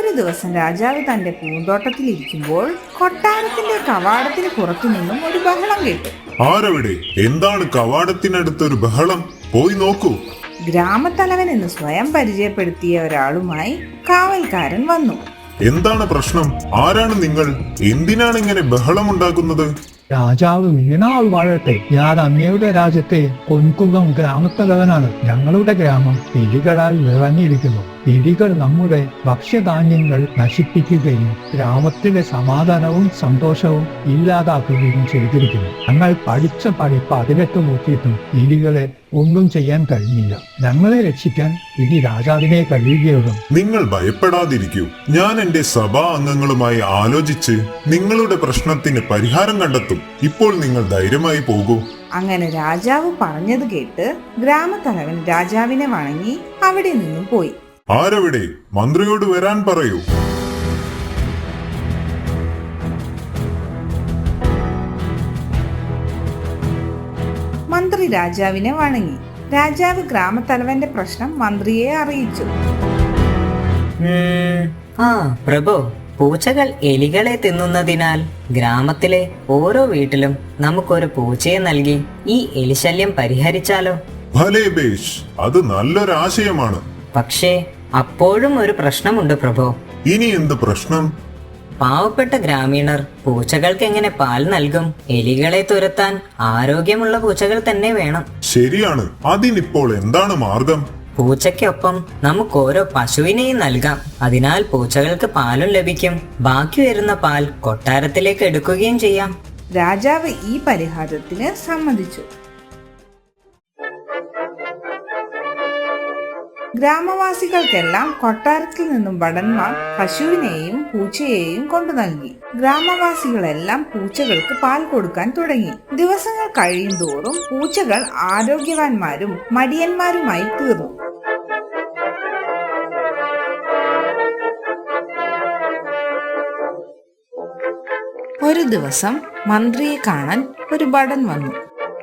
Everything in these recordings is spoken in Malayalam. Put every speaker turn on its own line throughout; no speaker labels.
ഒരു ദിവസം രാജാവ് തന്റെ പൂന്തോട്ടത്തിലിരിക്കുമ്പോൾ കൊട്ടാരത്തിന്റെ കവാടത്തിന് പുറത്തു നിന്നും ഒരു ബഹളം കേട്ടു.
ആരവിടെ? എന്താണ് കവാടത്തിനടുത്തൊരു ബഹളം? പോയി നോക്കൂ.
ഗ്രാമത്തലവൻ എന്ന് സ്വയം പരിചയപ്പെടുത്തിയ ഒരാളുമായി കാവൽക്കാരൻ വന്നു.
എന്താണ് പ്രശ്നം? ആരാണ് നിങ്ങൾ? എന്തിനാണ് ഇങ്ങനെ ബഹളമുണ്ടാക്കുന്നത്?
രാജാവ് വീണാൾ വാഴട്ടെ. ഞാൻ അങ്ങയുടെ രാജ്യത്തെ പൊൻകുന്നം ഗ്രാമത്തലവനാണ്. ഞങ്ങളുടെ ഗ്രാമം എലികളാൽ നിറഞ്ഞിരിക്കുന്നു. എലികൾ നമ്മുടെ ഭക്ഷ്യധാന്യങ്ങൾ നശിപ്പിക്കുകയും ഗ്രാമത്തിലെ സമാധാനവും സന്തോഷവും ഇല്ലാതാക്കുകയും ചെയ്തിരിക്കുന്നു. ഞങ്ങൾ പഠിച്ച പണി 18 നോക്കിയിട്ടും എലികളെ ഒന്നും ചെയ്യാൻ കഴിഞ്ഞില്ല. ഞങ്ങളെ രക്ഷിക്കാൻ ഇനി രാജാവിനെ കഴിയുകയുള്ളൂ.
നിങ്ങൾ ഭയപ്പെടാതിരിക്കൂ. ഞാൻ എന്റെ സഭാ അംഗങ്ങളുമായി ആലോചിച്ച് നിങ്ങളുടെ പ്രശ്നത്തിന് പരിഹാരം കണ്ടെത്തും. ഇപ്പോൾ നിങ്ങൾ ധൈര്യമായി പോകൂ.
അങ്ങനെ രാജാവ് പറഞ്ഞത് കേട്ട് ഗ്രാമത്തലവൻ രാജാവിനെ വണങ്ങി അവിടെ നിന്നും പോയി.
ആരവിടെ? മന്ത്രിയോട് വരാൻ പറയൂ.
മന്ത്രി രാജാവിനെ വണങ്ങി. രാജാവ് ഗ്രാമത്തലവന്റെ പ്രശ്നം മന്ത്രിയെ അറിയിച്ചു.
പ്രഭു, പൂച്ചകൾ എലികളെ തിന്നുന്നതിനാൽ ഗ്രാമത്തിലെ ഓരോ വീട്ടിലും നമുക്കൊരു പൂച്ചയെ നൽകി ഈ എലിശല്യം പരിഹരിച്ചാലോ?
ഭലേ ബേഷ്, അത് നല്ലൊരാശയമാണ്.
പക്ഷേ അപ്പോഴും ഒരു പ്രശ്നമുണ്ട് പ്രഭു.
ഇനി എന്ത് പ്രശ്നം?
പാവപ്പെട്ട ഗ്രാമീണർ പൂച്ചകൾക്ക് എങ്ങനെ പാൽ നൽകും? എലികളെ തുരത്താൻ ആരോഗ്യമുള്ള പൂച്ചകൾ തന്നെ വേണം.
ശരിയാണ്. അതിനിപ്പോൾ എന്താണ് മാർഗം?
പൂച്ചയ്ക്കൊപ്പം നമുക്ക് ഓരോ പശുവിനെയും നൽകാം. അതിനാൽ പൂച്ചകൾക്ക് പാലും ലഭിക്കും. ബാക്കി വരുന്ന പാൽ കൊട്ടാരത്തിലേക്ക് എടുക്കുകയും ചെയ്യാം.
രാജാവ് ഈ പരിഹാരത്തിന് സമ്മതിച്ചു. ഗ്രാമവാസികൾക്കെല്ലാം കൊട്ടാരത്തിൽ നിന്നും ഭടന്മാർ പശുവിനെയും പൂച്ചയെയും കൊണ്ടു നൽകി. ഗ്രാമവാസികളെല്ലാം പൂച്ചകൾക്ക് പാൽ കൊടുക്കാൻ തുടങ്ങി. ദിവസങ്ങൾ കഴിയും തോറും പൂച്ചകൾ ആരോഗ്യവാന്മാരും മടിയന്മാരുമായി തീർന്നു. ഒരു ദിവസം മന്ത്രിയെ കാണാൻ ഒരു ഭടൻ വന്നു.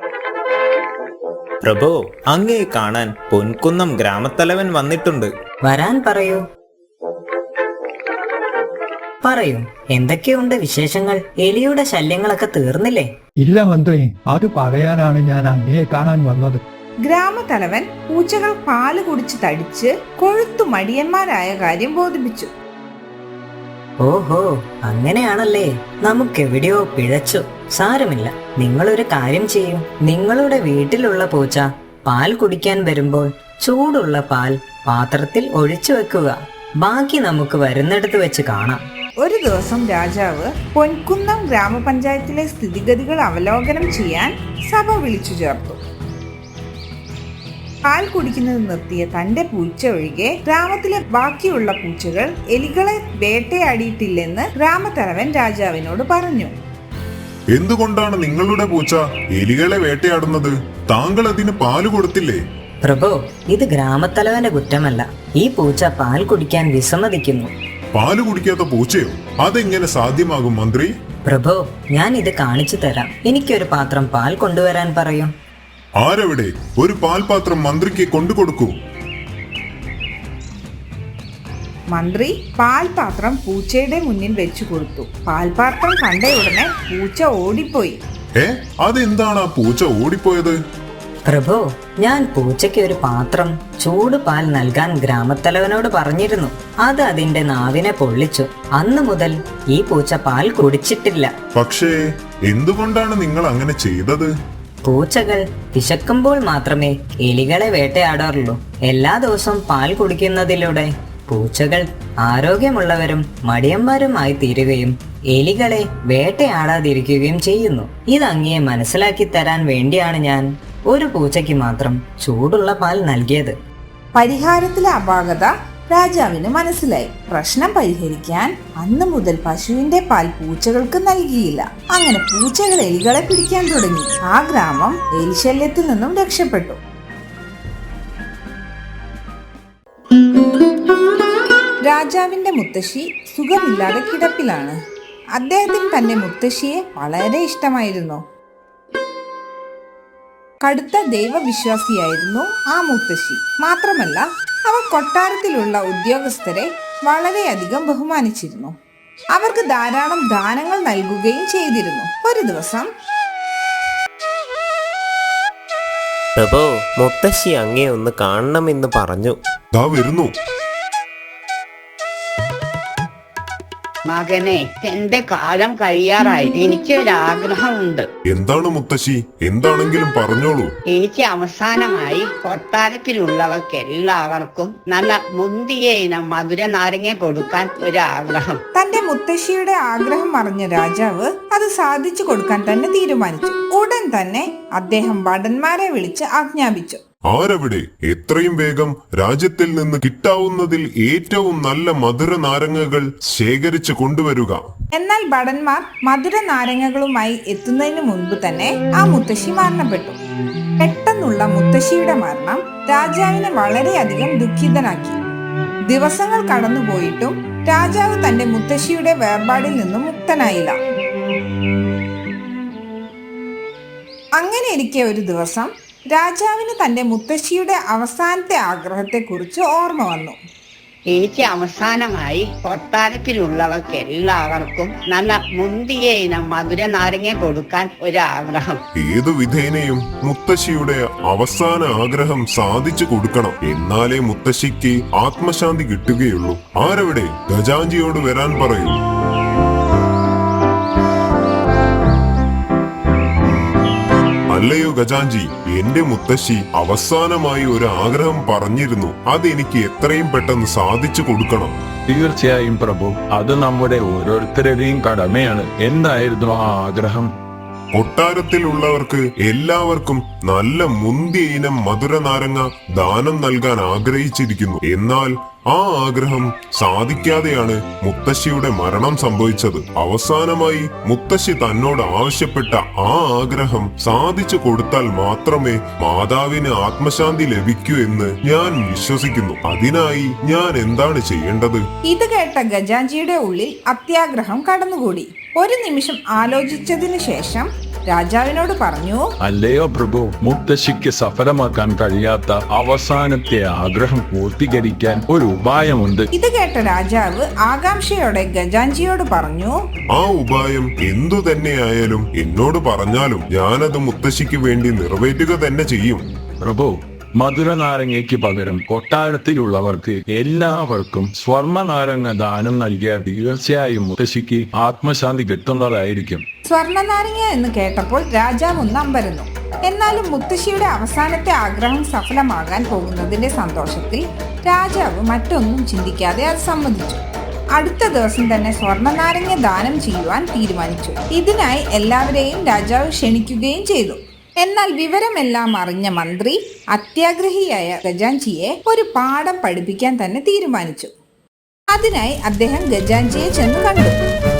പ്രഭു, അങ്ങയെ കാണാൻ പൊൻകുന്നം ഗ്രാമത്തലവൻ വന്നിട്ടുണ്ട്.
വരാൻ പറയൂ. പറയൂ, എന്തൊക്കെയുണ്ട് വിശേഷങ്ങൾ? എലിയുടെ ശല്യങ്ങളൊക്കെ തീർന്നില്ലേ?
ഇല്ല മന്ത്രി, അത് പറയാനാണ് ഞാൻ അങ്ങയെ കാണാൻ വന്നത്.
ഗ്രാമത്തലവൻ പൂച്ചകൾ പാല് കുടിച്ച് തടിച്ച് കൊഴുത്തു മടിയന്മാരായ കാര്യം ബോധിപ്പിച്ചു.
ഓഹോ, അങ്ങനെയാണല്ലേ. നമുക്കെവിടെയോ പിഴച്ചു. സാരമില്ല, നിങ്ങളൊരു കാര്യം ചെയ്യൂ. നിങ്ങളുടെ വീട്ടിലുള്ള പൂച്ച പാൽ കുടിക്കാൻ വരുമ്പോൾ ചൂടുള്ള പാൽ പാത്രത്തിൽ ഒഴിച്ചു വെക്കുക. ബാക്കി നമുക്ക് വരുന്നിടത്ത് വെച്ച് കാണാം.
ഒരു ദിവസം രാജാവ് പൊൻകുന്നം ഗ്രാമപഞ്ചായത്തിലെ സ്ഥിതിഗതികൾ അവലോകനം ചെയ്യാൻ സഭ വിളിച്ചു ചേർത്തു. പാൽ കുടിക്കുന്നത് നിർത്തിയ തന്റെ പൂച്ച ഒഴികെ ഗ്രാമത്തിലെ ബാക്കിയുള്ള പൂച്ചകൾ എലികളെ വേട്ടയാടിയിട്ടില്ലെന്ന് ഗ്രാമത്തലവൻ രാജാവിനോട് പറഞ്ഞു.
എന്തുകൊണ്ടാണ് നിങ്ങളുടെ പൂച്ച എലികളെ വേട്ടയാടുന്നത്? താങ്കൾ അതിന് പാല് കൊടുത്തില്ലേ?
പ്രഭു, ഇത് ഗ്രാമത്തലവന്റെ കുറ്റമല്ല. ഈ പൂച്ച പാൽ കുടിക്കാൻ വിസമ്മതിക്കുന്നു.
പാല് കുടിക്കാത്ത പൂച്ചയോ? അതെങ്ങനെ സാധ്യമാകും മന്ത്രി?
പ്രഭു, ഞാൻ ഇത് കാണിച്ചു തരാം. എനിക്കൊരു പാത്രം പാൽ കൊണ്ടുവരാൻ പറയൂ.
ആരവിടെ? ഒരു പാൽപാത്രം മന്ത്രിക്ക് കൊണ്ടുകൊടുക്കൂ.
മന്ത്രി പാൽപാത്രം പൂച്ചയുടെ മുന്നിൽ വെച്ചു കൊടുത്തു. പാൽപാത്രം കണ്ട ഉടനെ പൂച്ച ഓടിപ്പോയി.
അതെന്താണ് ആ പൂച്ച ഓടിപ്പോയത്?
പ്രഭു, ഞാൻ പൂച്ചയ്ക്ക് ഒരു പാത്രം ചൂട് പാൽ നൽകാൻ ഗ്രാമത്തലവനോട് പറഞ്ഞിരുന്നു. അത് അതിന്റെ നാവിനെ പൊള്ളിച്ചു. അന്നു മുതൽ ഈ പൂച്ച പാൽ കുടിച്ചിട്ടില്ല.
പക്ഷേ എന്തുകൊണ്ടാണ് നിങ്ങൾ അങ്ങനെ ചെയ്തത്?
പൂച്ചകൾ വിശക്കുമ്പോൾ മാത്രമേ എലികളെ വേട്ടയാടാറുള്ളൂ. എല്ലാ ദിവസവും പാൽ കുടിക്കുന്നതിലൂടെ പൂച്ചകൾ ആരോഗ്യമുള്ളവരും മടിയന്മാരുമായി തീരുകയും എലികളെ വേട്ടയാടാതിരിക്കുകയും ചെയ്യുന്നു. ഇതങ്ങയെ മനസ്സിലാക്കി തരാൻ വേണ്ടിയാണ് ഞാൻ ഒരു പൂച്ചയ്ക്ക് മാത്രം ചൂടുള്ള പാൽ നൽകിയത്.
പരിഹാരത്തിലെ അപാകത രാജാവിന് മനസ്സിലായി. പ്രശ്നം പരിഹരിക്കാൻ അന്നു മുതൽ പശുവിന്റെ പാൽ പൂച്ചകൾക്ക് നൽകിയില്ല. അങ്ങനെ പൂച്ചകൾ എലികളെ പിടിക്കാൻ തുടങ്ങി. ആ ഗ്രാമം എലിശല്യത്തിൽ നിന്നും രക്ഷപ്പെട്ടു. രാജാവിന്റെ മുത്തശ്ശി സുഖമില്ലാതെ കിടപ്പിലാണ്. അദ്ദേഹത്തിന് തന്റെ മുത്തശ്ശിയെ വളരെ ഇഷ്ടമായിരുന്നു. കടുത്ത ദൈവവിശ്വാസിയായിരുന്നു ആ മുത്തശ്ശി. മാത്രമല്ല, അവ കൊട്ടാരത്തിലുള്ള ഉദ്യോഗസ്ഥരെ വളരെയധികം ബഹുമാനിച്ചിരുന്നു. അവർക്ക് ധാരാളം ദാനങ്ങൾ നൽകുകയും ചെയ്തിരുന്നു. ഒരു ദിവസം
പ്രഭു, മുത്തശ്ശി അങ്ങേ ഒന്ന് കാണണമെന്ന് പറഞ്ഞു.
ദാ വരുന്നു.
മകനെ, എന്റെ കാലം കഴിയാറായി. എനിക്കൊരാഗ്രഹമുണ്ട്.
എന്താണ് മുത്തശ്ശി? എന്താണെങ്കിലും പറഞ്ഞോളൂ.
എനിക്ക് അവസാനമായി കൊട്ടാരത്തിലുള്ളവർക്ക് എല്ലാവർക്കും നല്ല മുന്തിയ ഇനം മധുര നാരങ്ങ കൊടുക്കാൻ ഒരാഗ്രഹം.
തന്റെ മുത്തശ്ശിയുടെ ആഗ്രഹം അറിഞ്ഞ രാജാവ് അത് സാധിച്ചു കൊടുക്കാൻ തന്നെ തീരുമാനിച്ചു. ഉടൻ തന്നെ അദ്ദേഹം ഭടന്മാരെ വിളിച്ച് ആജ്ഞാപിച്ചു.
ആരവിടെ? എത്രയും വേഗം രാജ്യത്തിൽ നിന്ന് കിട്ടാവുന്നതിൽ ഏറ്റവും നല്ല മധുര നാരങ്ങകൾ ശേഖരിച്ചു കൊണ്ടുവരിക.
എന്നാൽ ഭടന്മാർ മധുര നാരങ്ങകളുമായി എത്തുന്നതിന് മുൻപ് തന്നെ ആ മുത്തശ്ശി മരണപ്പെട്ടു. പെട്ടെന്നുള്ള മുത്തശ്ശിയുടെ മരണം രാജാവിനെ വളരെയധികം ദുഃഖിതനാക്കി. ദിവസങ്ങൾ കടന്നുപോയിട്ടും രാജാവ് തന്റെ മുത്തശ്ശിയുടെ വേർപാടിൽ നിന്നും മുക്തനായില്ല. അങ്ങനെ ഇരിക്കെ ഒരു ദിവസം രാജാവിന് തന്റെ മുത്തശ്ശിയുടെ അവസാനത്തെ ആഗ്രഹത്തെക്കുറിച്ച് ഓർമ്മ വന്നു.
എനിക്ക് അവസാനമായി കൊട്ടാരത്തിലുള്ളവർക്ക് എല്ലാവർക്കും നല്ല മുന്തിയ ഇനം മധുര നാരങ്ങ കൊടുക്കാൻ ഒരാഗ്രഹം.
ഏതു വിധേനയും മുത്തശ്ശിയുടെ അവസാന ആഗ്രഹം സാധിച്ചു കൊടുക്കണം. എന്നാലേ മുത്തശ്ശിക്ക് ആത്മശാന്തി കിട്ടുകയുള്ളൂ. ആരവിടെ? ഗജാഞ്ചിയോട് വരാൻ പറയൂ. അല്ലയോ ഗജാഞ്ചി, എന്റെ മുത്തശ്ശി അവസാനമായി ഒരു ആഗ്രഹം പറഞ്ഞിരുന്നു. അതെനിക്ക് എത്രയും പെട്ടെന്ന് സാധിച്ചു കൊടുക്കണം.
തീർച്ചയായും പ്രഭു, അത് നമ്മുടെ ഓരോരുത്തരുടെയും കടമയാണ്. എന്തായിരുന്നു ആ ആഗ്രഹം?
കൊട്ടാരത്തിലുള്ളവർക്ക് എല്ലാവർക്കും നല്ല മുന്തിയ ഇനം മധുര നാരങ്ങ ദാനം നൽകാൻ ആഗ്രഹിച്ചിരിക്കുന്നു. എന്നാൽ ആ ആഗ്രഹം സാധിക്കാതെയാണ് മുത്തശ്ശിയുടെ മരണം സംഭവിച്ചത്. അവസാനമായി മുത്തശ്ശി തന്നോട് ആവശ്യപ്പെട്ട ആ ആഗ്രഹം സാധിച്ചു കൊടുത്താൽ മാത്രമേ മാതാവിന് ആത്മശാന്തി ലഭിക്കൂ എന്ന് ഞാൻ വിശ്വസിക്കുന്നു. അതിനായി ഞാൻ എന്താണ് ചെയ്യേണ്ടത്?
ഇത് കേട്ട ഗജാഞ്ചിയുടെ ഉള്ളിൽ അത്യാഗ്രഹം കടന്നുകൂടി. ഒരു നിമിഷം ആലോചിച്ചതിനു ശേഷം രാജാവിനോട് പറഞ്ഞു,
അല്ലയോ പ്രഭു, മുത്തശ്ശിക്ക് സഫലമാക്കാൻ കഴിയാത്ത അവസാനത്തെ ആഗ്രഹം പൂർത്തീകരിക്കാൻ ഒരു ഉപായമുണ്ട്.
ഇത് കേട്ട രാജാവ് ആകാംക്ഷയോടെ ഗജാഞ്ചിയോട് പറഞ്ഞു,
ആ ഉപായം എന്തു തന്നെയായാലും എന്നോട് പറഞ്ഞാലും ഞാനത് മുത്തശ്ശിക്ക് വേണ്ടി നിറവേറ്റുക തന്നെ ചെയ്യും.
പ്രഭു, മധുര നാരങ്ങയ്ക്ക് പകരം കൊട്ടാരത്തിലുള്ളവർക്ക് എല്ലാവർക്കും സ്വർണ്ണ നാരങ്ങ ദാനം നൽകിയാൽ തീർച്ചയായും മുത്തശ്ശിക്ക് ആത്മശാന്തി കിട്ടുന്നതായിരിക്കും.
സ്വർണ്ണനാരങ്ങ എന്ന് കേട്ടപ്പോൾ രാജാവ് ഒന്ന് അമ്പരന്നു. എന്നാലും മുത്തശ്ശിയുടെ അവസാനത്തെ ആഗ്രഹം സഫലമാകാൻ പോകുന്നതിന്റെ സന്തോഷത്തിൽ രാജാവ് മറ്റൊന്നും ചിന്തിക്കാതെ അത് സമ്മതിച്ചു. അടുത്ത ദിവസം തന്നെ സ്വർണ്ണനാരങ്ങ ദാനം ചെയ്യുവാൻ തീരുമാനിച്ചു. ഇതിനായി എല്ലാവരെയും രാജാവ് ക്ഷണിക്കുകയും ചെയ്തു. എന്നാൽ വിവരമെല്ലാം അറിഞ്ഞ മന്ത്രി അത്യാഗ്രഹിയായ ഗജാഞ്ചിയെ ഒരു പാഠം പഠിപ്പിക്കാൻ തന്നെ തീരുമാനിച്ചു. അതിനായി അദ്ദേഹം ഗജാഞ്ചിയെ ചെന്ന് കണ്ടു.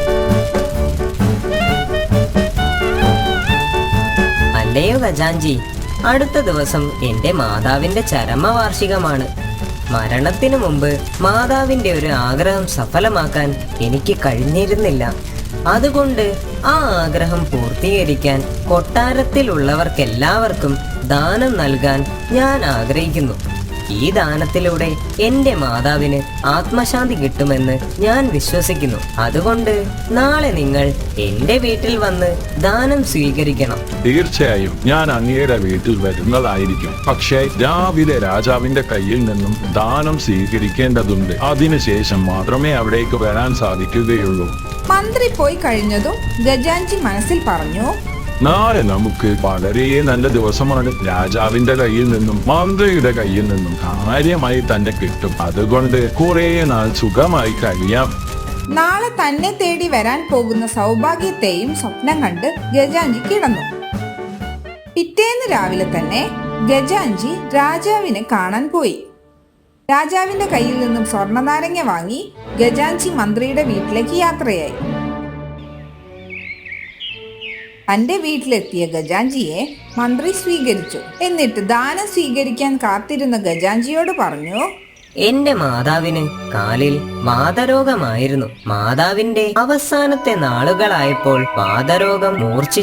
അല്ലയോ ഗജാഞ്ചി, അടുത്ത ദിവസം എന്റെ മാതാവിന്റെ ചരമവാർഷികമാണ്. മരണത്തിനു മുമ്പ് മാതാവിന്റെ ഒരു ആഗ്രഹം സഫലമാക്കാൻ എനിക്ക് കഴിഞ്ഞിരുന്നില്ല. അതുകൊണ്ട് ആ ആഗ്രഹം പൂർത്തീകരിക്കാൻ കൊട്ടാരത്തിലുള്ളവർക്കെല്ലാവർക്കും ദാനം നൽകാൻ ഞാൻ ആഗ്രഹിക്കുന്നു. ഈ ദാനത്തിലൂടെ എന്റെ മാതാവിന് ആത്മശാന്തി കിട്ടുമെന്ന് ഞാൻ വിശ്വസിക്കുന്നു. അതുകൊണ്ട് നാളെ നിങ്ങൾ എന്റെ വീട്ടിൽ വന്ന് ദാനം സ്വീകരിക്കണം.
തീർച്ചയായും ഞാൻ അങ്ങയുടെ വീട്ടിൽ വരുന്നതായിരിക്കും. പക്ഷേ രാവിലെ രാജാവിന്റെ കയ്യിൽ നിന്നും ദാനം സ്വീകരിക്കേണ്ടതുണ്ട്. അതിനുശേഷം മാത്രമേ അവിടേക്ക് വരാൻ സാധിക്കുകയുള്ളൂ.
മന്ത്രി പോയി കഴിഞ്ഞതും ഗജാഞ്ചി മനസ്സിൽ പറഞ്ഞു,
നാളെ നമുക്ക് വളരെ നല്ല ദിവസമാണ്. രാജാവിന്റെ കയ്യിൽ നിന്നും മന്ത്രിയുടെ കയ്യിൽ നിന്നും കാര്യമായി തന്നെ കിട്ടും. അതുകൊണ്ട് കുറെ നാൾ സുഖമായി കഴിയാം.
നാളെ തന്നെ തേടി വരാൻ പോകുന്ന സൗഭാഗ്യത്തെയും സ്വപ്നം കണ്ട് ഗജാഞ്ചി കിടന്നു. പിറ്റേന്ന് രാവിലെ തന്നെ ഗജാഞ്ചി രാജാവിനെ കാണാൻ പോയി. രാജാവിന്റെ കയ്യിൽ നിന്നും സ്വർണ്ണനാരങ്ങ വാങ്ങി ഗജാഞ്ചി മന്ത്രിയുടെ വീട്ടിലേക്ക് യാത്രയായി. തന്റെ വീട്ടിലെത്തിയ ഗജാഞ്ചിയെ മന്ത്രി സ്വീകരിച്ചു. എന്നിട്ട് ദാനം സ്വീകരിക്കാൻ കാത്തിരുന്ന ഗജാഞ്ചിയോട് പറഞ്ഞു,
എന്റെ മാതാവിന് കാലിൽ വാതരോഗമായിരുന്നു. മാതാവിന്റെ അവസാനത്തെ നാളുകളായപ്പോൾ വാതരോഗം മൂർച്ഛിച്ചു.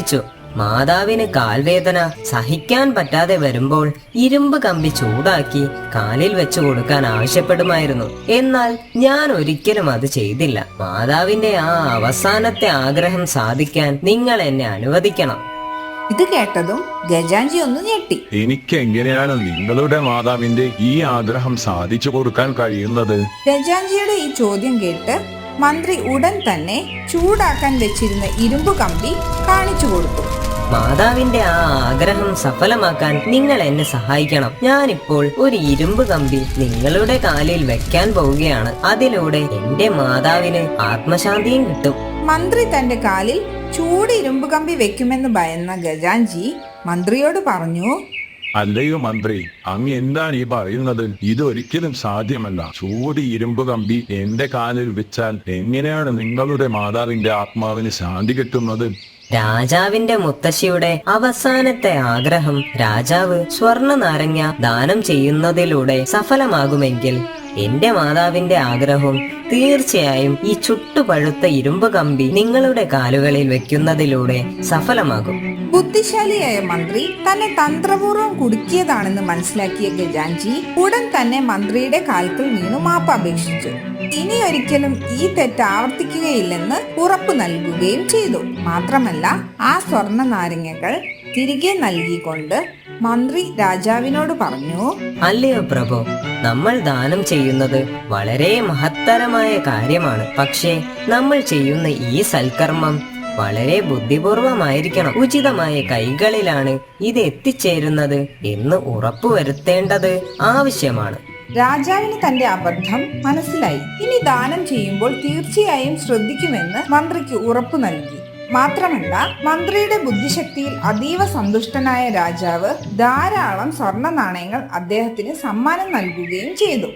മാതാവിന് കാൽവേദന സഹിക്കാൻ പറ്റാതെ വരുമ്പോൾ ഇരുമ്പ് കമ്പി ചൂടാക്കി കാലിൽ വെച്ചു കൊടുക്കാൻ ആവശ്യപ്പെടുമായിരുന്നു. എന്നാൽ ഞാൻ ഒരിക്കലും അത് ചെയ്തില്ല. മാതാവിന്റെ ആ അവസാനത്തെ ആഗ്രഹം സാധിക്കാൻ നിങ്ങൾ എന്നെ അനുവദിക്കണം.
ഇത് കേട്ടതും ഗജാഞ്ചി ഒന്ന് ഞെട്ടി.
എനിക്ക് എങ്ങനെയാണ് നിങ്ങളുടെ മാതാവിന്റെ ഈ ആഗ്രഹം സാധിച്ചു കൊടുക്കാൻ കഴിയുന്നത്?
ഗജാഞ്ചിയുടെ ഈ ചോദ്യം കേട്ട് മന്ത്രി ഉടൻ തന്നെ ചൂടാക്കാൻ വെച്ചിരുന്ന ഇരുമ്പ് കമ്പി കാണിച്ചു കൊടുത്തു.
മാതാവിന്റെ ആ ആഗ്രഹം സഫലമാക്കാൻ നിങ്ങൾ എന്നെ സഹായിക്കണം. ഞാനിപ്പോൾ ഒരു ഇരുമ്പ് കമ്പി നിങ്ങളുടെ കാലിൽ വെക്കാൻ പോവുകയാണ്. അതിലൂടെ എന്റെ മാതാവിന് ആത്മശാന്തിയും കിട്ടും.
മന്ത്രി തന്റെ കാലിൽ ചൂട് ഇരുമ്പ് കമ്പി വെക്കുമെന്ന് ഭയന്ന ഗജാഞ്ചി മന്ത്രിയോട് പറഞ്ഞു,
അല്ലയോ മന്ത്രി, അങ്ങ് എന്താണ് ഈ പറയുന്നത്? ഇതൊരിക്കലും സാധ്യമല്ല. ചൂട് ഇരുമ്പ് കമ്പി എന്റെ കാലിൽ വെച്ചാൽ എങ്ങനെയാണ് നിങ്ങളുടെ മാതാവിന്റെ ആത്മാവിന് ശാന്തി കിട്ടുന്നത്?
രാജാവിന്റെ മുത്തശ്ശിയുടെ അവസാനത്തെ ആഗ്രഹം രാജാവ് സ്വർണ്ണ നാരങ്ങ ദാനം ചെയ്യുന്നതിലൂടെ സഫലമാകുമെങ്കിൽ എന്റെ മാതാവിന്റെ ആഗ്രഹവും തീർച്ചയായും ഈ ചുട്ടുപഴുത്ത ഇരുമ്പ് കമ്പി നിങ്ങളുടെ കാലുകളിൽ വെക്കുന്നതിലൂടെ സഫലമാകും.
ബുദ്ധിശാലിയായ മന്ത്രി തന്നെ തന്ത്രപൂർവ്വം കുടുക്കിയതാണെന്ന് മനസ്സിലാക്കിയ ഗജാഞ്ചി ഉടൻ തന്നെ മന്ത്രിയുടെ കാൽക്കൽ വീണു മാപ്പപേക്ഷിച്ചു. ഇനി ഒരിക്കലും ഈ തെറ്റ് ആവർത്തിക്കുകയില്ലെന്ന് ഉറപ്പു നൽകുകയും ചെയ്തു. മാത്രമല്ല ആ സ്വർണ്ണ നാരങ്ങകൾ തിരികെ നൽകിക്കൊണ്ട് മന്ത്രി രാജാവിനോട് പറഞ്ഞു,
അല്ലയോ പ്രഭു, നമ്മൾ ദാനം ചെയ്യുന്നത് വളരെ മഹത്തരമായ കാര്യമാണ്. പക്ഷേ നമ്മൾ ചെയ്യുന്ന ഈ സൽക്കർമ്മം വളരെ ബുദ്ധിപൂർവമായിരിക്കണം. ഉചിതമായ കൈകളിലാണ് ഇത് എത്തിച്ചേരുന്നത് എന്ന് ഉറപ്പുവരുത്തേണ്ടത് ആവശ്യമാണ്.
രാജാവിന് തന്റെ അബദ്ധം മനസ്സിലായി. ഇനി ദാനം ചെയ്യുമ്പോൾ തീർച്ചയായും ശ്രദ്ധിക്കുമെന്ന് മന്ത്രിക്ക് ഉറപ്പു നൽകി. മാത്രമല്ല മന്ത്രിയുടെ ബുദ്ധിശക്തിയിൽ അതീവ സന്തുഷ്ടനായ രാജാവ് ധാരാളം സ്വർണ്ണ നാണയങ്ങൾ അദ്ദേഹത്തിന് സമ്മാനം നൽകുകയും ചെയ്തു.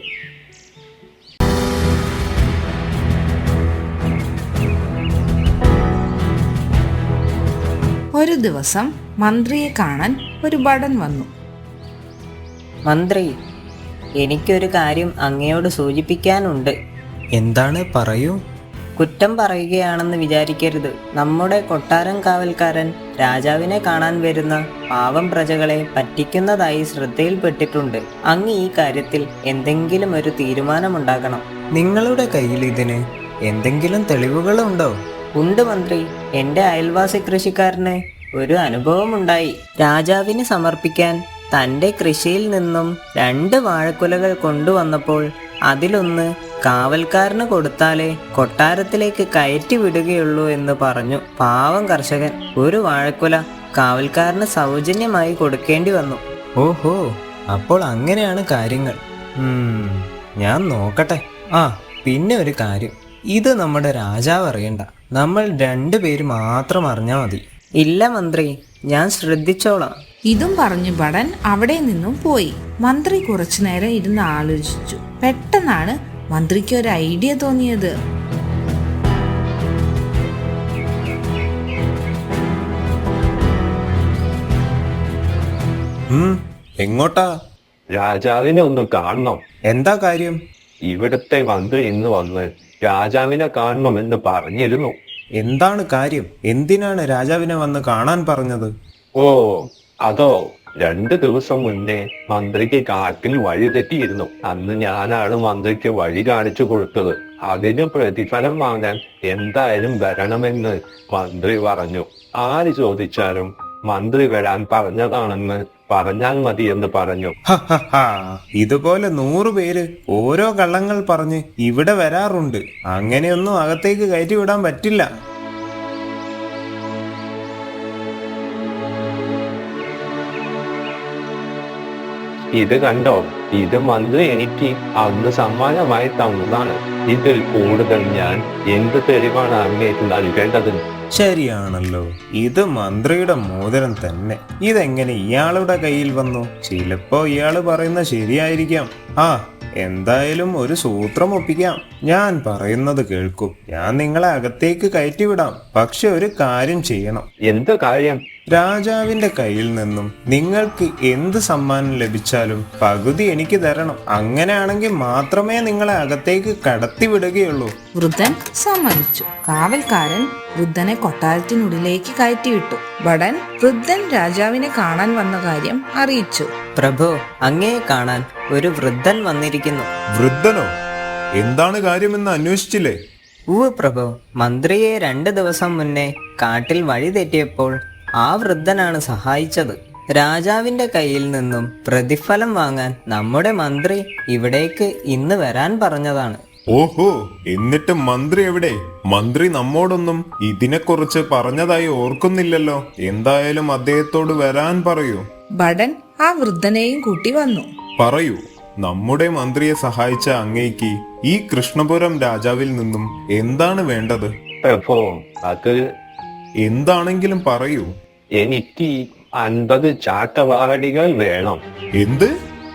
ഒരു ദിവസം മന്ത്രിയെ കാണാൻ ഒരു ഭടൻ വന്നു.
മന്ത്രി, എനിക്കൊരു കാര്യം അങ്ങയോട് സൂചിപ്പിക്കാനുണ്ട്.
എന്താണ്, പറയൂ.
കുറ്റം പറയുകയാണെന്ന് വിചാരിക്കരുത്. നമ്മുടെ കൊട്ടാരം കാവൽക്കാരൻ രാജാവിനെ കാണാൻ വരുന്ന പാവം പ്രജകളെ പറ്റിക്കുന്നതായി ശ്രദ്ധയിൽപ്പെട്ടിട്ടുണ്ട്. അങ്ങ് ഈ കാര്യത്തിൽ എന്തെങ്കിലും ഒരു തീരുമാനമുണ്ടാക്കണം.
നിങ്ങളുടെ കയ്യിൽ ഇതിന് എന്തെങ്കിലും തെളിവുകളുണ്ടോ?
ഉണ്ട് മന്ത്രി. എന്റെ അയൽവാസി കൃഷിക്കാരന് ഒരു അനുഭവമുണ്ടായി. രാജാവിന് സമർപ്പിക്കാൻ തന്റെ കൃഷിയിൽ നിന്നും 2 വാഴക്കുലകൾ കൊണ്ടുവന്നപ്പോൾ അതിലൊന്ന് കാവൽക്കാരന് കൊടുത്താലേ കൊട്ടാരത്തിലേക്ക് കയറ്റി വിടുകയുള്ളൂ എന്ന് പറഞ്ഞു. പാവം കർഷകൻ ഒരു വാഴക്കുല കാവൽക്കാരന് സൗജന്യമായി കൊടുക്കേണ്ടി വന്നു.
ഓഹോ, അപ്പോൾ അങ്ങനെയാണ് കാര്യങ്ങൾ. ഞാൻ നോക്കട്ടെ. പിന്നെ ഒരു കാര്യം, ഇത് നമ്മുടെ രാജാവ് അറിയണ്ട. നമ്മൾ 2 പേര് മാത്രം അറിഞ്ഞാൽ മതി.
ഇല്ല മന്ത്രി, ഞാൻ ശ്രദ്ധിച്ചോളാം.
ഇതും പറഞ്ഞു ഭടൻ അവിടെ നിന്നും പോയി. മന്ത്രി കുറച്ചു നേരം ഇരുന്ന് ആലോചിച്ചു. പെട്ടെന്നാണ് മന്ത്രിക്ക് ഒരു ഐഡിയ തോന്നിയത്.
എങ്ങോട്ടാ?
രാജാവിനെ ഒന്ന് കാണണം.
എന്താ കാര്യം?
ഇവിടുത്തെ മന്ത്രി ഇന്ന് വന്ന് രാജാവിനെ കാണണമെന്ന് പറഞ്ഞിരുന്നു.
എന്താണ് കാര്യം? എന്തിനാണ് രാജാവിനെ വന്ന് കാണാൻ പറഞ്ഞത്?
ഓ അതോ, 2 ദിവസം മുന്നേ മന്ത്രിക്ക് കാട്ടിൽ വഴി തെറ്റിയിരുന്നു. അന്ന് ഞാനാണ് മന്ത്രിക്ക് വഴി കാണിച്ചു കൊടുത്തത്. അതിന് പ്രതിഫലം വാങ്ങാൻ എന്തായാലും വരണമെന്ന് മന്ത്രി പറഞ്ഞു. ആര് ചോദിച്ചാലും മന്ത്രി വരാൻ പറഞ്ഞതാണെന്ന് പറഞ്ഞാൽ മതി എന്ന് പറഞ്ഞു.
ഇതുപോലെ 100 പേര് ഓരോ കള്ളങ്ങൾ പറഞ്ഞ് ഇവിടെ വരാറുണ്ട്. അങ്ങനെയൊന്നും അകത്തേക്ക് കയറ്റി വിടാൻ പറ്റില്ല.
ഇത് കണ്ടോ, ഇത് മന്ത്രി എനിക്ക് അന്ന് സമ്മാനമായി തന്നതാണ്. ഇതിൽ കൂടുതൽ ഞാൻ എന്ത് തെളിവാണ് അങ്ങേക്ക് നൽകേണ്ടത്?
ശരിയാണല്ലോ, ഇത് മന്ത്രിയുടെ മോതിരം തന്നെ. ഇതെങ്ങനെ ഇയാളുടെ കയ്യിൽ വന്നു? ചിലപ്പോ ഇയാള് പറയുന്ന ശരിയായിരിക്കാം. എന്തായാലും ഒരു സൂത്രം ഒപ്പിക്കാം. ഞാൻ പറയുന്നത് കേൾക്കൂ. ഞാൻ നിങ്ങളെ അകത്തേക്ക് കയറ്റിവിടാം. പക്ഷെ ഒരു കാര്യം ചെയ്യണം.
എന്ത് കാര്യം?
രാജാവിന്റെ കയ്യിൽ നിന്നും നിങ്ങൾക്ക് എന്ത് സമ്മാനം ലഭിച്ചാലും പകുതി എനിക്ക് തരണം. അങ്ങനെയാണെങ്കിൽ മാത്രമേ നിങ്ങളെ അകത്തേക്ക് കടത്തിവിടുകയുള്ളൂ.
വൃദ്ധൻ സമ്മതിച്ചു. കാവൽക്കാരൻ വൃദ്ധനെ കൊട്ടാരത്തിനുള്ളിലേക്ക് കയറ്റിവിട്ടു. ഭടൻ വൃദ്ധൻ രാജാവിനെ കാണാൻ വന്ന കാര്യം അറിയിച്ചു.
പ്രഭു, അങ്ങയെ കാണാൻ ഒരു വൃദ്ധൻ വന്നിരിക്കുന്നു.
വൃദ്ധനോ? എന്താണ് കാര്യമെന്ന് അന്വേഷിച്ചില്ലേ?
ഉവ്വ് പ്രഭു, മന്ത്രിയെ 2 ദിവസം മുന്നേ കാട്ടിൽ വഴി തെറ്റിയപ്പോൾ ആ വൃദ്ധനാണ് സഹായിച്ചത്. രാജാവിന്റെ കയ്യിൽ നിന്നും പ്രതിഫലം വാങ്ങാൻ നമ്മുടെ മന്ത്രി ഇവിടേക്ക് ഇന്ന് വരാൻ പറഞ്ഞതാണ്.
ഓഹോ, എന്നിട്ട് മന്ത്രി എവിടെ? മന്ത്രി നമ്മോടൊന്നും ഇതിനെക്കുറിച്ച് പറഞ്ഞതായി ഓർക്കുന്നില്ലല്ലോ. എന്തായാലും അദ്ദേഹത്തോട് വരാൻ പറയൂ.
ഭടൻ ആ വൃദ്ധനെയും കൂട്ടി വന്നു.
പറയൂ, നമ്മുടെ മന്ത്രിയെ സഹായിച്ച അങ്ങേക്ക് ഈ കൃഷ്ണപുരം രാജാവിൽ നിന്നും എന്താണ് വേണ്ടത്?
പ്രഭോ, അത്
എന്താണെങ്കിലും പറയൂ.
എനിക്ക് 50 ചാട്ടവാടികൾ വേണം.
എന്ത്?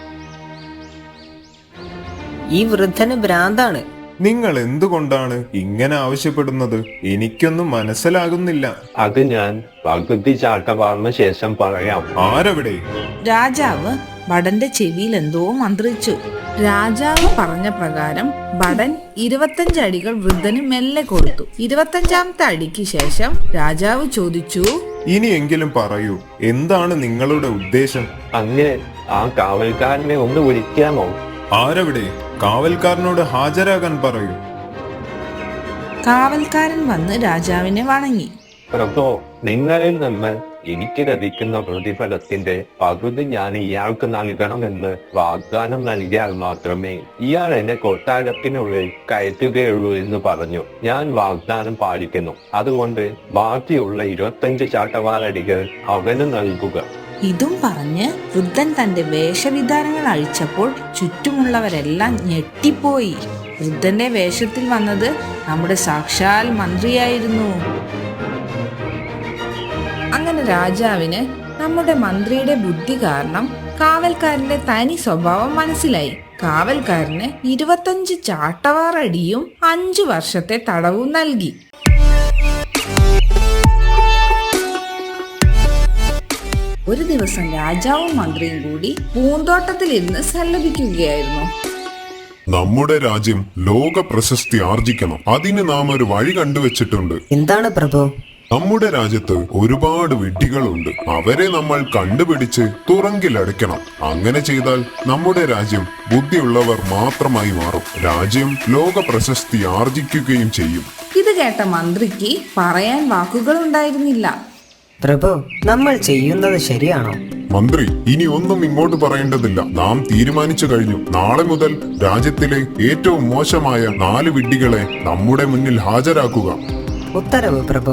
ഈ വൃദ്ധന് ഭ്രാന്താണ്.
നിങ്ങൾ എന്തുകൊണ്ടാണ് ഇങ്ങനെ ആവശ്യപ്പെടുന്നത്? എനിക്കൊന്നും മനസ്സിലാകുന്നില്ല.
അത് ഞാൻ പകുതി ചാട്ടവാറിന് ശേഷം പറയാം.
ആരവിടെ?
രാജാവ് ഭടന്റെ ചെവിയിൽ എന്തോ മന്ത്രിച്ചു. രാജാവ് പറഞ്ഞ പ്രകാരം ഭടൻ 25 അടികൾ വൃദ്ധന് മെല്ലെ കൊടുത്തു. 25ാമത്തെ അടിക്ക് ശേഷം രാജാവ് ചോദിച്ചു,
ഇനിയെങ്കിലും പറയൂ, എന്താണ് നിങ്ങളുടെ ഉദ്ദേശം?
അങ്ങ് ആ കാവൽക്കാരനെ ഒന്ന് വിളിക്കാമോ?
ആരവിടെ? കാവൽക്കാരനോട് ഹാജരാകാൻ പറയൂ.
കാവൽക്കാരൻ വന്ന് രാജാവിനെ വണങ്ങി.
പ്രഭോ, നിങ്ങളിൽ നിന്ന് എനിക്ക് ലഭിക്കുന്ന പ്രതിഫലത്തിന്റെ പകുതി ഞാൻ ഇയാൾക്ക് നൽകണമെന്ന് വാഗ്ദാനം നൽകിയാൽ മാത്രമേ ഇയാൾ എന്നെ കൊട്ടാരത്തിനുള്ളിൽ കയറ്റുകയുള്ളൂ എന്ന് പറഞ്ഞു. ഞാൻ വാഗ്ദാനം പാലിക്കുന്നു. അതുകൊണ്ട് ബാക്കിയുള്ള 25 ചാട്ടവാറടികൾ അവന് നൽകുക.
ഇതും പറഞ്ഞ് വൃദ്ധൻ തന്റെ വേഷവിധാനങ്ങൾ അഴിച്ചപ്പോൾ ചുറ്റുമുള്ളവരെല്ലാം ഞെട്ടിപ്പോയി. വൃദ്ധന്റെ വേഷത്തിൽ വന്നത് നമ്മുടെ സാക്ഷാൽ മന്ത്രിയായിരുന്നു. അങ്ങനെ രാജാവിന് നമ്മുടെ മന്ത്രിയുടെ ബുദ്ധി കാരണം കാവൽക്കാരന്റെ തനി സ്വഭാവം മനസ്സിലായി. കാവൽക്കാരന് 25 ചാട്ടവാറടിയും 5 വർഷത്തെ തടവും നൽകി. ഒരു ദിവസം രാജാവും മന്ത്രിയും കൂടി പൂന്തോട്ടത്തിലിരുന്ന് സല്ലപിക്കുകയായിരുന്നു.
നമ്മുടെ രാജ്യം ലോക പ്രശസ്തി ആർജിക്കണം. അതിന് നാം ഒരു വഴി കണ്ടുവച്ചിട്ടുണ്ട്.
എന്താണ് പ്രഭു?
നമ്മുടെ രാജ്യത്ത് ഒരുപാട് വിഡ്ഢികളുണ്ട്. അവരെ നമ്മൾ കണ്ടുപിടിച്ച് തുറങ്കിലടയ്ക്കണം. അങ്ങനെ ചെയ്താൽ നമ്മുടെ രാജ്യം ബുദ്ധിയുള്ളവർ മാത്രമായി മാറും. രാജ്യം ലോക പ്രശസ്തി ആർജിക്കുകയും ചെയ്യും.
ഇത് കേട്ട മന്ത്രിക്ക് പറയാൻ വാക്കുകളുണ്ടായിരുന്നില്ല.
പ്രഭു, നമ്മൾ ചെയ്യുന്നത് ശരിയാണോ?
മന്ത്രി, ഇനി ഒന്നും ഇങ്ങോട്ട് പറയേണ്ടതില്ല. നാം തീരുമാനിച്ചു കഴിഞ്ഞു. നാളെ മുതൽ രാജ്യത്തിലെ ഏറ്റവും മോശമായ 4 വിഡ്ഢികളെ നമ്മുടെ മുന്നിൽ ഹാജരാക്കുക.
ഉത്തരവ് പ്രഭു.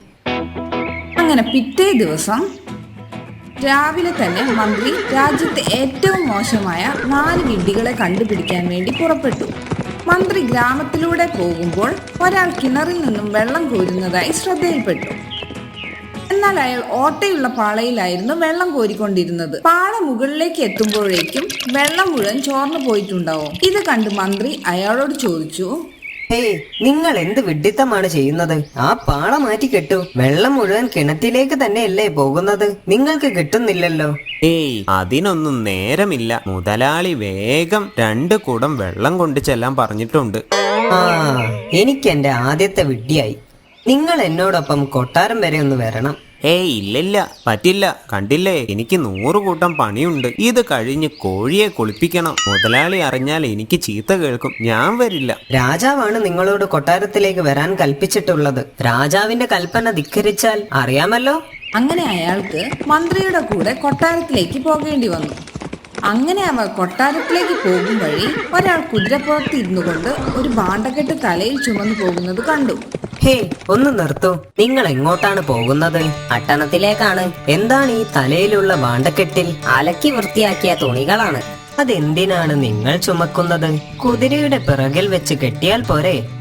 അങ്ങനെ പിറ്റേ ദിവസം രാവിലെ തന്നെ മന്ത്രി രാജ്യത്തെ ഏറ്റവും മോശമായ 4 വിഡ്ഢികളെ കണ്ടുപിടിക്കാൻ വേണ്ടി പുറപ്പെട്ടു. മന്ത്രി ഗ്രാമത്തിലൂടെ പോകുമ്പോൾ ഒരാൾ കിണറിൽ നിന്നും വെള്ളം കോരുന്നതായി ശ്രദ്ധയിൽപ്പെട്ടു. എന്നാൽ അയാൾ ഓട്ടയുള്ള പാളയിലായിരുന്നു വെള്ളം കോരിക്കൊണ്ടിരുന്നത്. പാള മുകളിലേക്ക് എത്തുമ്പോഴേക്കും വെള്ളം മുഴുവൻ ചോർന്നു പോയിട്ടുണ്ടാവും. ഇത് കണ്ട് മന്ത്രി അയാളോട് ചോദിച്ചു,
ഹേയ്, നിങ്ങൾ എന്ത് വിഡ്ഢിത്തമാണ് ചെയ്യുന്നത്? ആ പാള മാറ്റി കെട്ടു. വെള്ളം മുഴുവൻ കിണറ്റിലേക്ക് തന്നെയല്ലേ പോകുന്നത്? നിങ്ങൾക്ക് കിട്ടുന്നില്ലല്ലോ.
ഏയ്, അതിനൊന്നും നേരമില്ല. മുതലാളി വേഗം 2 കുടം വെള്ളം കൊണ്ട് ചെല്ലാൻ പറഞ്ഞിട്ടുണ്ട്.
ആ, എനിക്ക് എന്റെ ആദ്യത്തെ വിഡ്ഢിയായി. നിങ്ങൾ എന്നോടൊപ്പം കൊട്ടാരം വരെ ഒന്ന് വരണം.
ഏയ്, ഇല്ലില്ല, പറ്റില്ല. കണ്ടില്ലേ, എനിക്ക് 100 കൂട്ടം പണിയുണ്ട്. ഇത് കഴിഞ്ഞ് കോഴിയെ കുളിപ്പിക്കണം. മുതലാളി അറിഞ്ഞാൽ എനിക്ക് ചീത്ത കേൾക്കും. ഞാൻ വരില്ല.
രാജാവാണ് നിങ്ങളോട് കൊട്ടാരത്തിലേക്ക് വരാൻ കൽപ്പിച്ചിട്ടുള്ളത്. രാജാവിന്റെ കൽപ്പന ധിക്കരിച്ചാൽ അറിയാമല്ലോ.
അങ്ങനെ അയാൾക്ക് മന്ത്രിയുടെ കൂടെ കൊട്ടാരത്തിലേക്ക് പോകേണ്ടി വന്നു. അങ്ങനെ അവർ കൊട്ടാരത്തിലേക്ക് പോകും വഴി ഒരാൾ കുതിരപ്പുറത്ത് ഇരുന്നു കൊണ്ട് ഒരു ഭാണ്ഡക്കെട്ട് തലയിൽ ചുമന്നു പോകുന്നത് കണ്ടു.
ഹേ, ഒന്ന് നിർത്തൂ. നിങ്ങൾ എങ്ങോട്ടാണ് പോകുന്നത്? പട്ടണത്തിലേക്കാണ്. എന്താണ് ഈ തലയിലുള്ള ഭാണ്ഡക്കെട്ടിൽ? അലക്കി വൃത്തിയാക്കിയ തുണികളാണ്. അതെന്തിനാണ് നിങ്ങൾ ചുമക്കുന്നത്? കുതിരയുടെ പിറകിൽ വെച്ച് കെട്ടിയാൽ പോരെ?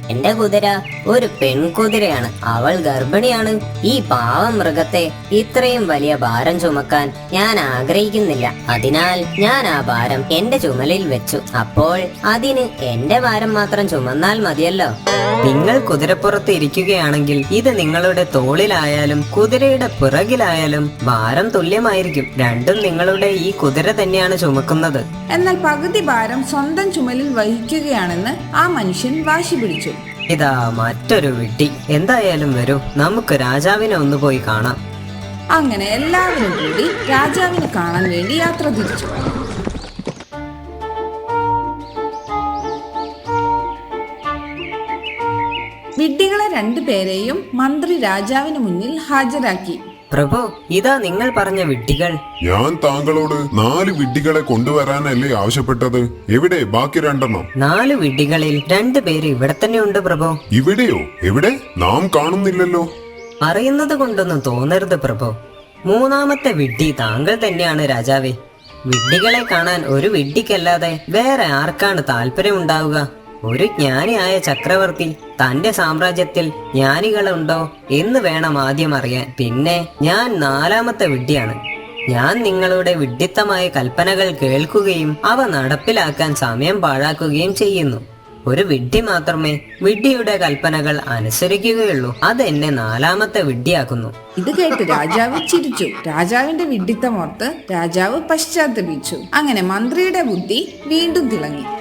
എന്റെ കുതിര ഒരു പെൺകുതിരയാണ്. അവൾ ഗർഭിണിയാണ്. ഈ പാവം മൃഗത്തെ ഇത്രയും വലിയ ഭാരം ചുമക്കാൻ ഞാൻ ആഗ്രഹിക്കുന്നില്ല. അതിനാൽ ഞാൻ ആ ഭാരം എന്റെ ചുമലിൽ വെച്ചു. അപ്പോൾ അതിന് എന്റെ ഭാരം മാത്രം ചുമന്നാൽ മതിയല്ലോ. നിങ്ങൾ കുതിരപ്പുറത്ത് ഇരിക്കുകയാണെങ്കിൽ ഇത് നിങ്ങളുടെ തോളിലായാലും കുതിരയുടെ പിറകിലായാലും ഭാരം തുല്യമായിരിക്കും. രണ്ടും നിങ്ങളുടെ ഈ കുതിര തന്നെയാണ് ചുമക്കുന്നത്.
എന്നാൽ പകുതി ഭാരം സ്വന്തം ചുമലിൽ വഹിക്കുകയാണെന്ന് ആ മനുഷ്യൻ വാശി പിടിച്ചു.
ഇതാ മറ്റൊരു വിഡ്ഢി. എന്തായാലും വരൂ, നമുക്ക് രാജാവിനെ ഒന്ന് പോയി കാണാം.
അങ്ങനെ എല്ലാവരും കൂടി രാജാവിനെ കാണാൻ വേണ്ടി യാത്ര തിരിച്ചു. വിഡ്ഢികളെ രണ്ടുപേരെയും മന്ത്രി രാജാവിന് മുന്നിൽ ഹാജരാക്കി.
പ്രഭു, ഇതാ നിങ്ങൾ പറഞ്ഞ വിഡ്ഢികൾ.
ഞാൻ താങ്കളോട് 4 വിഡ്ഢികളെ കൊണ്ടുവരാനല്ലേ ആവശ്യപ്പെട്ടത്? എവിടെ ബാക്കി 2
4 വിഡ്ഢികളിൽ 2 പേര് ഇവിടെ തന്നെ ഉണ്ട് പ്രഭു.
ഇവിടെയോ? എവിടെ? നാം കാണുന്നില്ലല്ലോ.
പറയുന്നത് കൊണ്ടൊന്നും തോന്നരുത് പ്രഭു. 3ാമത്തെ വിഡ്ഢി താങ്കൾ തന്നെയാണ് രാജാവേ. വിഡ്ഢികളെ കാണാൻ ഒരു വിഡ്ഢിക്കല്ലാതെ വേറെ ആർക്കാണ് താല്പര്യമുണ്ടാവുക? ഒരു ജ്ഞാനിയായ ചക്രവർത്തി തന്റെ സാമ്രാജ്യത്തിൽ ജ്ഞാനികളുണ്ടോ എന്ന് വേണം ആദ്യം അറിയാൻ. പിന്നെ ഞാൻ 4ാമത്തെ വിഡ്ഢിയാണ്. ഞാൻ നിങ്ങളുടെ വിഡ്ഢിത്തമായ കൽപ്പനകൾ കേൾക്കുകയും അവ നടപ്പിലാക്കാൻ സമയം പാഴാക്കുകയും ചെയ്യുന്നു. ഒരു വിഡ്ഢി മാത്രമേ വിഡ്ഢിയുടെ കൽപ്പനകൾ അനുസരിക്കുകയുള്ളൂ. അത് എന്നെ 4ാമത്തെ വിഡ്ഢിയാക്കുന്നു.
ഇത് കേട്ട് രാജാവ് ചിരിച്ചു. രാജാവിന്റെ വിഡ്ഢിത്തമോർത്ത് രാജാവ് പശ്ചാത്തപിച്ചു. അങ്ങനെ മന്ത്രിയുടെ ബുദ്ധി വീണ്ടും തിളങ്ങി.